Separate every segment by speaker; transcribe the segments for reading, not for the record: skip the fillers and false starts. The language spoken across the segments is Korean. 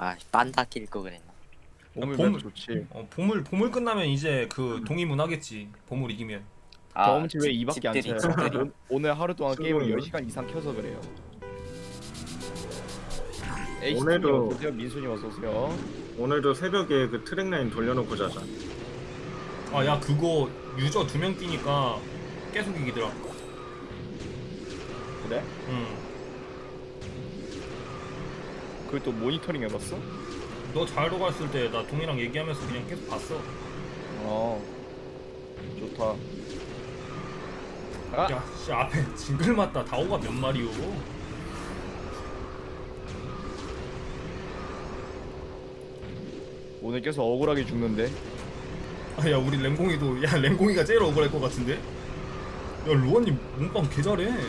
Speaker 1: 아 빤다 낄 거 그랬나.
Speaker 2: 보물
Speaker 3: 보물-
Speaker 2: 맵 좋지.
Speaker 3: 보물 끝나면 이제 그 동의문 하겠지. 보물 이기면.
Speaker 2: 경험치 왜 2밖에 안
Speaker 1: 집들이
Speaker 2: 차요?
Speaker 1: 집들이.
Speaker 2: 오늘 하루 동안 게임을
Speaker 4: 친구는?
Speaker 2: 10시간 이상 켜서 그래요.
Speaker 4: 오늘도-
Speaker 2: 어서오세요. 민순이 어서오세요.
Speaker 4: 오늘도 새벽에 그 트랙라인 돌려놓고 자자.
Speaker 3: 아 야 그거 유저 2명 끼니까 계속 이기더라.
Speaker 2: 그래?
Speaker 3: 응.
Speaker 2: 그걸 또 모니터링 해봤어?
Speaker 3: 너 자유로 갔을 때 나 동이랑 얘기하면서 그냥 계속 봤어.
Speaker 2: 어 좋다. 아!
Speaker 3: 야, 씨 앞에 징글 맞다. 다오가 몇 마리요?
Speaker 2: 오늘 계속 억울하게 죽는데.
Speaker 3: 아, 야 우리 램공이도 야 램공이가 제일 억울할 것 같은데? 야 로아님 몸빵 개 잘해. 야,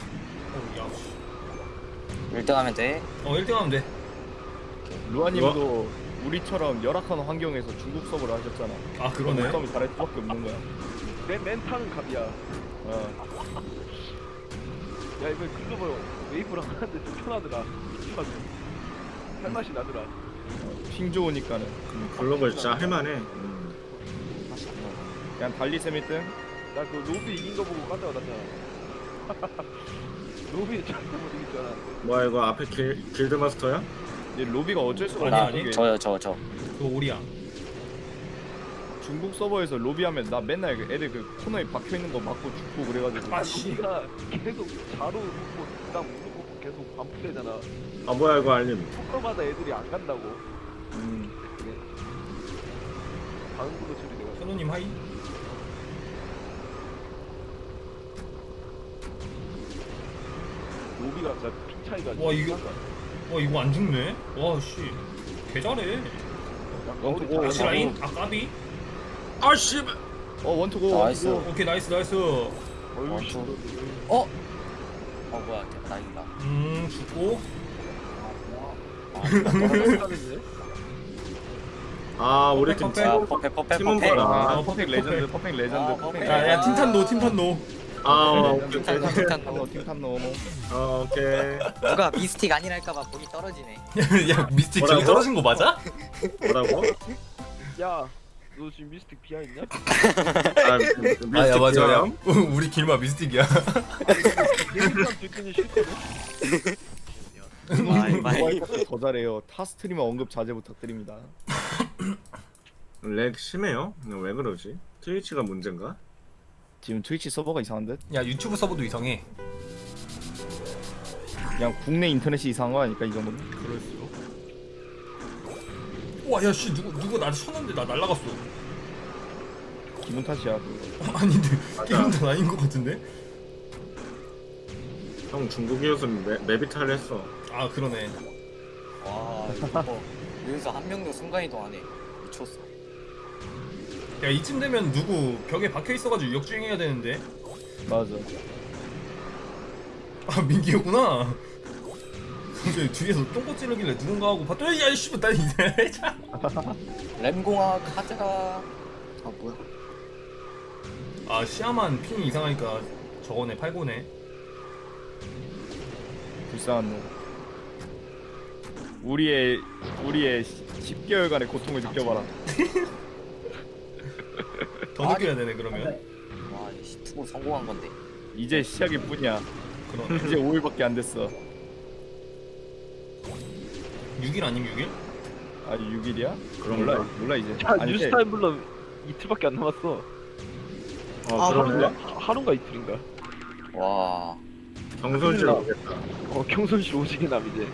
Speaker 1: 1등 하면 돼.
Speaker 3: 1등 하면 돼.
Speaker 2: 루아님도 우리처럼 열악한 환경에서 중국 서버를 하셨잖아.
Speaker 3: 아 그러네.
Speaker 2: 몸싸움을 잘할 수밖에 없는 거야.
Speaker 5: 내 멘탈은 갑이야.
Speaker 2: 어.
Speaker 5: 야 이거 글로벌 웨이브랑 하는데 좀 편하더라. 편하더라. 할 맛이 나더라.
Speaker 2: 핑 좋으니까는
Speaker 4: 글로벌 진짜 할만해.
Speaker 2: 그냥 달리셈 1등.
Speaker 5: 나 그 로비 이긴 거 보고 깜짝 놀랐잖아. 로비 절대 못 이길 줄 알았는데.
Speaker 4: 뭐야 이거 앞에 길드 마스터야?
Speaker 2: 근데 로비가 어쩔 수가
Speaker 3: 아니,
Speaker 2: 없는 게
Speaker 3: 아니.
Speaker 1: 저.
Speaker 3: 그거 오리야.
Speaker 2: 중국 서버에서 로비하면 나 맨날 그 애들 그 코너에 박혀 있는 거 맞고 죽고 그래가지고.
Speaker 3: 아 씨.
Speaker 5: 로비가 계속 자로 놓고 그다음 우르고 계속 반복되잖아.
Speaker 4: 아 뭐야 이거 알림.
Speaker 5: 토커마다 애들이 안 간다고.
Speaker 2: 음.
Speaker 5: 방구도 처리돼가지고.
Speaker 3: 현우님 하이.
Speaker 5: 로비가 진짜 핑 차이가.
Speaker 3: 와, 이거-
Speaker 5: 심하다.
Speaker 3: 와 이거 안 죽네. 와 씨. 개 잘해.
Speaker 5: 약간
Speaker 2: 어,
Speaker 5: 어디
Speaker 2: 어,
Speaker 3: 다시
Speaker 2: 어,
Speaker 3: 라인. 아 까비.
Speaker 4: 아씨.
Speaker 2: 원투고.
Speaker 1: 나이스.
Speaker 2: 원투고.
Speaker 3: 오케이 나이스 나이스.
Speaker 5: 어휴 씨.
Speaker 1: 어 뭐야 나이다.
Speaker 3: 죽고.
Speaker 5: 하는데?
Speaker 4: 아 우리 팀
Speaker 3: 퍼펙트.
Speaker 1: 아
Speaker 4: 팀
Speaker 1: 퍼펙.
Speaker 4: 팀원 봐라.
Speaker 2: 아,
Speaker 3: 아,
Speaker 2: 퍼펙트
Speaker 3: 퍼펙트.
Speaker 2: 레전드, 퍼펙트 레전드,
Speaker 1: 아,
Speaker 2: 퍼펙트
Speaker 1: 퍼펙트.
Speaker 2: 레전드.
Speaker 3: 야 팀탄 팀탄 노.
Speaker 4: 아 오케이
Speaker 1: 팀탄
Speaker 4: 오케이.
Speaker 1: 노.
Speaker 2: 팀탄 노.
Speaker 4: 오케이.
Speaker 1: 누가 미스틱 아니랄까봐 본이 떨어지네.
Speaker 3: 야 미스틱 저기
Speaker 4: 뭐라고?
Speaker 3: 떨어진 거 맞아?
Speaker 4: 뭐라고?
Speaker 5: 야, 너 지금 미스틱 비하 있냐?
Speaker 3: 우리 길마 미스틱이야.
Speaker 5: 일단 듣기는 싫거든.
Speaker 1: 마이.
Speaker 2: 더 잘해요. 타 스트리머 언급 자제 부탁드립니다.
Speaker 4: 렉 심해요? 왜 그러지? 트위치가 문제인가?
Speaker 2: 지금 트위치 서버가 이상한 듯?
Speaker 3: 야 유튜브 서버도 이상해.
Speaker 2: 그냥 국내 인터넷이 이상한 거 아닐까 이 정도면?
Speaker 3: 그럴수록. 와, 야, 씨, 누구 나 쳤는데 나 날라갔어.
Speaker 2: 기분 탓이야 그거.
Speaker 3: 아닌데,
Speaker 4: 맞아.
Speaker 3: 게임 다 아닌 것 같은데?
Speaker 4: 형 중국이었으면 메비탈 했어.
Speaker 3: 아, 그러네.
Speaker 1: 와 이거 여기서 한 명도 순간 이동 안 해. 미쳤어.
Speaker 3: 야, 이쯤 되면 누구 벽에 박혀 있어가지고 역주행해야 되는데.
Speaker 2: 맞아.
Speaker 3: 아, 민기였구나. 이제 뒤에서 똥꼬 찌르길래 누군가 하고 봤더니 야, 씨발, 나 이제.
Speaker 1: 램공아 카즈라. 아 뭐야?
Speaker 3: 아, 시야만 핑이 이상하니까 저거네, 팔고네.
Speaker 2: 불쌍한 놈. 우리의 10개월간의 고통을 느껴봐라.
Speaker 3: 더 느껴야 되네, 그러면.
Speaker 1: 와 투고 성공한 건데.
Speaker 2: 이제 시작일 뿐이야.
Speaker 3: 그러네.
Speaker 2: 이제 5일밖에 안 됐어.
Speaker 3: 6일 아님 6일?
Speaker 2: 아 6일이야?
Speaker 4: 그런가?
Speaker 2: 몰라 이제.
Speaker 5: 야,
Speaker 2: 아니,
Speaker 5: 뉴스타임 불러 이틀밖에 안 남았어.
Speaker 4: 그러네.
Speaker 5: 하루인가 이틀인가?
Speaker 1: 와
Speaker 4: 경선실 오겠다.
Speaker 5: 경선실 오지게 남 이제.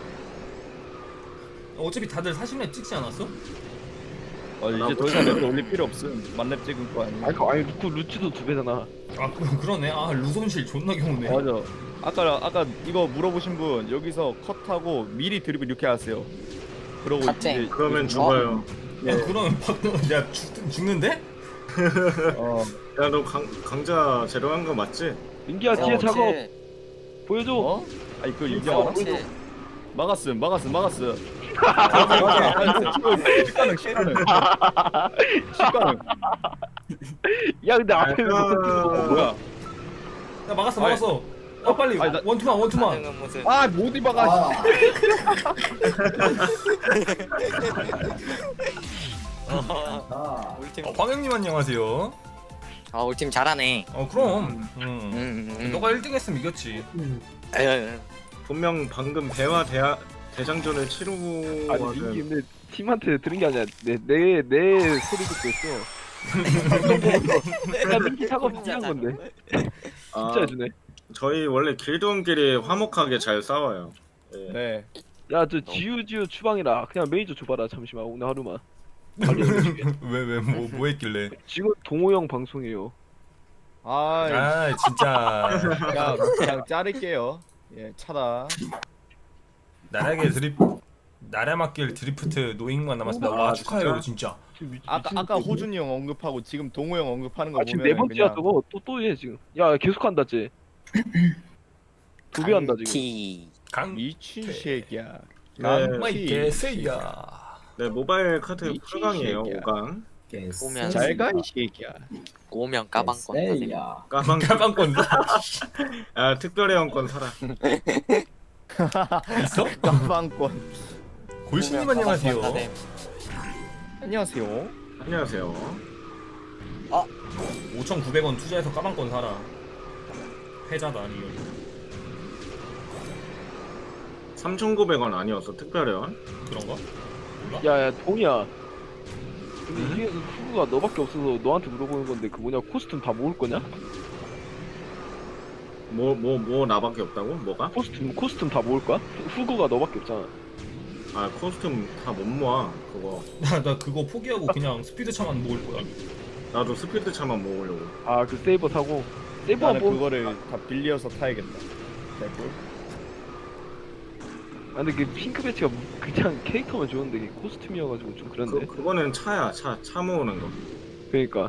Speaker 3: 어차피 다들 40렙 찍지 않았어?
Speaker 2: 이제 더 이상 랩을 올릴 필요 없음. 만렙 찍은 거 아니야?
Speaker 5: 아니 루치도 2배잖아.
Speaker 3: 아, 그러네. 아, 루손실 존나 경우네.
Speaker 2: 맞아. 아까 이거 물어보신 분 여기서 컷하고 미리 드립을 이렇게 하세요. 그러고
Speaker 1: 갓쟁.
Speaker 2: 이제
Speaker 4: 그러면 죽어요.
Speaker 3: 야, 그러면 야, 죽는데?
Speaker 4: 야 너 강자 제로한 거 맞지?
Speaker 5: 민기야 뒤에 작업
Speaker 1: 그렇지.
Speaker 5: 보여줘.
Speaker 2: 어? 아니 그거 얘기
Speaker 1: 어,
Speaker 2: 알아?
Speaker 1: 그렇지.
Speaker 2: 막았음. 식가능.
Speaker 5: 야 근데 앞에 왜
Speaker 4: 아,
Speaker 5: 못했어?
Speaker 2: 뭐야?
Speaker 3: 야, 막았어. 빨리
Speaker 2: 아니, 나-
Speaker 3: 원투만.
Speaker 1: 반응은 무슨
Speaker 2: 아 못 입어가.
Speaker 1: 우리 팀
Speaker 3: 황영님 안녕하세요.
Speaker 1: 우리 팀 잘하네.
Speaker 3: 그럼. 너가 1등 했으면 이겼지.
Speaker 1: 에휴,
Speaker 4: 분명 방금 대화 대장전을 치르고
Speaker 5: 아니
Speaker 4: 와서
Speaker 5: 민기 근데 팀한테 들은 게 아니라 내 소리 듣고 있어. 야 민기 작업
Speaker 1: 혼자
Speaker 5: 한 건데
Speaker 4: 아,
Speaker 5: 진짜 해주네.
Speaker 4: 저희 원래 길드원끼리 화목하게 잘 싸워요. 예.
Speaker 2: 네.
Speaker 5: 야 저 지우지우 추방이라 그냥 메이저 줘봐라 잠시만 오늘 하루만.
Speaker 3: 뭐 했길래?
Speaker 5: 지금 동호 형 방송이에요.
Speaker 2: 아,
Speaker 3: 진짜
Speaker 2: 그냥 자를게요. 예, 차다.
Speaker 3: 나라 맡길 드리프트 노잉만 남았습니다.
Speaker 4: 와, 축하해요,
Speaker 3: 진짜.
Speaker 2: 아까 호준이 형 언급하고 지금 동호 형 언급하는 거
Speaker 5: 지금
Speaker 2: 보면
Speaker 5: 네 번째야 저거 또해 지금. 야 계속 한다 쟤. 두 배 한다 지금.
Speaker 1: 티.
Speaker 2: 미친 새끼야.
Speaker 4: 네.
Speaker 3: 개새야.
Speaker 4: 네, 모바일 카드
Speaker 2: 미친
Speaker 4: 8강이에요.
Speaker 2: 새끼야.
Speaker 4: 5강.
Speaker 1: 오면
Speaker 2: 잘가 이 새끼야.
Speaker 1: 오면 까방권.
Speaker 4: 까방권. 아, 특별회원권 사라.
Speaker 3: 있어?
Speaker 2: 깜방권.
Speaker 3: 골신님 안녕하세요.
Speaker 2: 안녕하세요.
Speaker 4: 안녕하세요.
Speaker 3: 5,900원 투자해서 까방권 사라. 패자다 리얼.
Speaker 4: 3,900원 아니었어, 특별회원?
Speaker 3: 그런가? 몰라?
Speaker 5: 야야 동이야. 근데 이 중에서 후구가 너밖에 없어서 너한테 물어보는 건데 그 뭐냐 코스튬 다 모을 거냐?
Speaker 4: 뭐 나밖에 없다고? 뭐가?
Speaker 5: 코스튬 다 모을 거야? 후구가 너밖에 없잖아.
Speaker 4: 아, 코스튬 다 못 모아. 그거.
Speaker 3: 나 그거 포기하고 그냥 스피드 차만 모을 거야.
Speaker 4: 나도 스피드 차만 모으려고.
Speaker 5: 아 그 세이버 사고 세이버
Speaker 2: 나는
Speaker 5: 뭐
Speaker 2: 그거를 다 빌려서 타야겠다. 개꿀.
Speaker 5: 아 근데 그 핑크 배치가 그냥 캐릭터만 좋은데 그게 코스튬이어가지고 좀 그런데.
Speaker 4: 그거는 차야. 차 모으는 거.
Speaker 5: 그러니까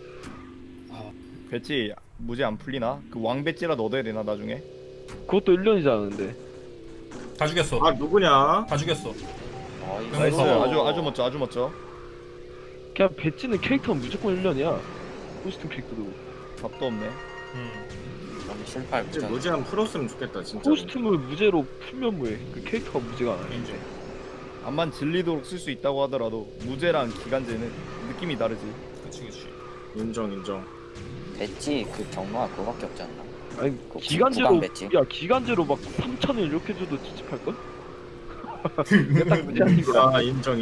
Speaker 2: 배지 무제 안 풀리나? 그 왕 배지라도 얻어야 되나 나중에?
Speaker 5: 그것도 1년이잖아 근데.
Speaker 3: 다 죽였어.
Speaker 4: 아, 누구냐?
Speaker 3: 다 죽였어.
Speaker 2: 나이스.
Speaker 3: 어.
Speaker 2: 아주 멋져.
Speaker 5: 그냥 배치는 캐릭터는 무조건 1년이야. 코스튬 캐릭터도.
Speaker 2: 답도 없네.
Speaker 1: 너무 실패할
Speaker 4: 이제
Speaker 1: 거잖아.
Speaker 4: 무제한 풀었으면 좋겠다, 진짜.
Speaker 5: 코스튬을 무제로 풀면 뭐해? 그 캐릭터가 무제가 아니야.
Speaker 3: 인정.
Speaker 2: 암만 질리도록 쓸 수 있다고 하더라도 무제랑 기간제는 느낌이 다르지.
Speaker 3: 그치.
Speaker 4: 인정.
Speaker 1: 배지 그 경로가 그거밖에 없지 않나?
Speaker 5: 아니
Speaker 1: 그
Speaker 5: 기간제로
Speaker 1: 구간 배지?
Speaker 5: 야 기간제로 막 3,000원 이렇게 줘도 찝찝할 걸? 딱 무제한인 게
Speaker 4: 아, 인정.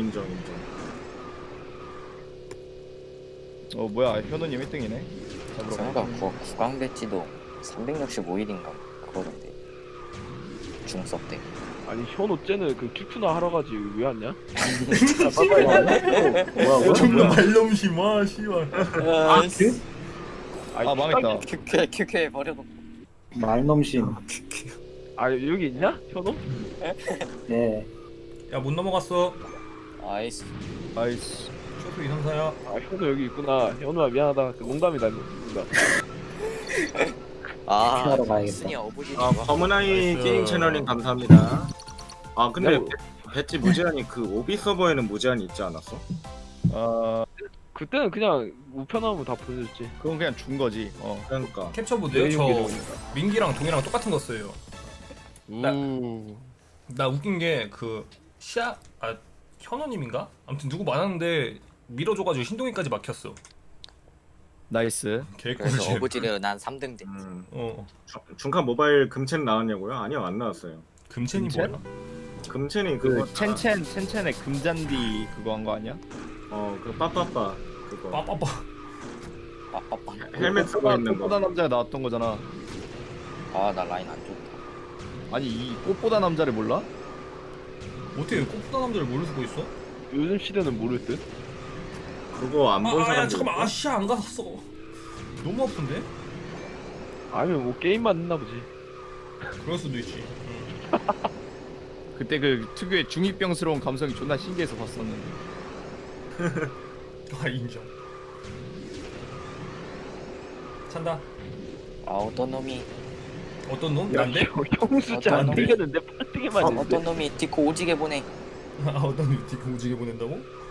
Speaker 2: 뭐야 현우님 1등이네.
Speaker 1: 생각 구강 배지도 365일인가 그거던데. 중섭 때.
Speaker 5: 아니 현호 쟤는 그 큐큐나 하러 가지 왜 왔냐?
Speaker 3: 존나 말넘심아 씨발.
Speaker 2: 아 망했다.
Speaker 1: 큐큐에 버려놓고.
Speaker 6: 말넘심.
Speaker 5: 아 여기 있냐? 현호?
Speaker 6: 네.
Speaker 3: 야 못 넘어갔어.
Speaker 1: 아이스.
Speaker 2: 아이씨.
Speaker 3: 쇼프 이상사야.
Speaker 5: 아 현호 여기 있구나. 현호야 미안하다. 그 농담이다. 농담.
Speaker 6: 하러 가야겠다.
Speaker 1: 순이 어부지.
Speaker 4: 아, 검은아이
Speaker 3: 나이스.
Speaker 4: 게임 채널님 감사합니다. 아, 근데
Speaker 5: 야,
Speaker 4: 배지 무제한이 그 오비 서버에는 무제한이 있지 않았어?
Speaker 5: 그때는 그냥 우편하면 다 보내줬지.
Speaker 2: 그건 그냥 준 거지.
Speaker 4: 그러니까.
Speaker 3: 캡처보드요?
Speaker 5: 내
Speaker 3: 저
Speaker 5: 용기로
Speaker 3: 민기랑 동이랑 똑같은 거 써요.
Speaker 2: 우.
Speaker 3: 나 웃긴 게 그 현호님인가? 아무튼 누구 많았는데 밀어줘가지고 신동이까지 막혔어.
Speaker 2: 나이스.
Speaker 1: 그래서
Speaker 3: 개꿀잼.
Speaker 1: 어부지를 난 3등 됐지.
Speaker 4: 중카 모바일 금첸 나왔냐고요? 아니요, 안 나왔어요.
Speaker 3: 금첸이
Speaker 2: 금첸?
Speaker 3: 뭐야?
Speaker 4: 금첸이 그거
Speaker 2: 그 첸첸의 금잔디 그거 한 거 아니야?
Speaker 4: 그 빠빠빠 그거
Speaker 3: 빠빠빠.
Speaker 1: 빠빠빠.
Speaker 4: 헬멧 쓰고 있는
Speaker 2: 꽃보다
Speaker 4: 거.
Speaker 2: 남자에 나왔던 거잖아.
Speaker 1: 나 라인 안 좋다.
Speaker 2: 아니 이 꽃보다 남자를 몰라?
Speaker 3: 어떻게 꽃보다 남자를 모르고 쓰고 있어?
Speaker 5: 요즘 시대는 모를 듯.
Speaker 4: 그거 안 본
Speaker 3: 야
Speaker 4: 사람.
Speaker 3: 잠깐만 아시아 안 갔어. 너무 아픈데?
Speaker 5: 아니면 뭐 게임만 했나 보지.
Speaker 3: 그럴 수도 있지.
Speaker 2: 그때 그 특유의 중이병스러운 감성이 존나 신기해서 봤었는데.
Speaker 3: 아 인정. 찬다.
Speaker 1: 어떤 놈이
Speaker 3: 어떤 놈?
Speaker 5: 야,
Speaker 3: 난데?
Speaker 5: 형 숫자 안
Speaker 1: 어떤
Speaker 5: 되겠는데 8등에만
Speaker 1: 어떤
Speaker 5: 했는데.
Speaker 1: 놈이 디코 오지게 보내.
Speaker 3: 아 어떤 놈 디코 오지게 보낸다고?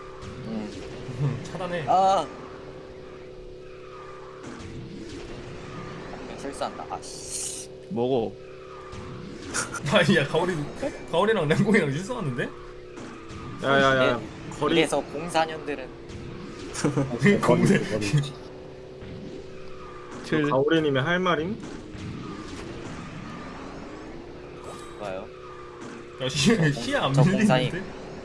Speaker 3: 차단해.
Speaker 1: 실수한다. 아씨.
Speaker 2: 뭐고?
Speaker 3: 아니 야 가오리랑 랭공이랑 실수하는데?
Speaker 4: 야야야 거리
Speaker 1: 이래서 04년들은
Speaker 3: 공대
Speaker 2: 틀.
Speaker 4: 가오리님이 할 말임?
Speaker 1: 좋아요.
Speaker 3: 야 시야 안
Speaker 1: 저
Speaker 3: 밀리는데?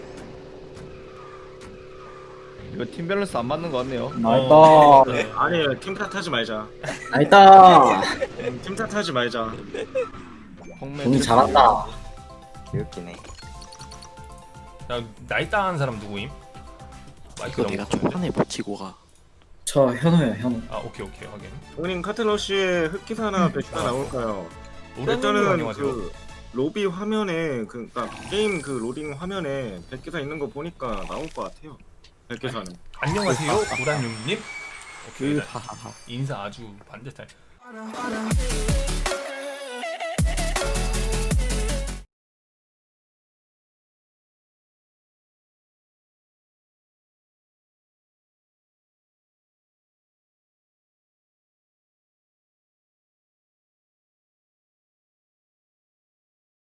Speaker 2: 이거 팀 밸런스 안 맞는 것 같네요.
Speaker 6: 나이다.
Speaker 4: 아니 팀 탓하지 말자.
Speaker 6: 나이다.
Speaker 4: 팀 탓하지 말자.
Speaker 2: 홍매
Speaker 6: 공이
Speaker 2: 틀.
Speaker 6: 잘한다.
Speaker 1: 개웃기네.
Speaker 3: 야 나이따한 사람 누구임? 마이크
Speaker 7: 이거 내가 초반에 못 치고 가.
Speaker 6: 저 현우야 현우.
Speaker 3: 아 오케이 확인.
Speaker 4: 본인 카트러쉬에 흑기사나 백기사 나올까요?
Speaker 3: 노래는
Speaker 4: 일단은
Speaker 3: 안녕하세요.
Speaker 4: 그 로비 화면에 그니까 게임 그 로딩 화면에 백기사 있는 거 보니까 나올 것 같아요. 백기사는.
Speaker 3: 안녕하세요 도란용님. 오케이
Speaker 2: 하하하.
Speaker 3: 인사 아주 반듯할.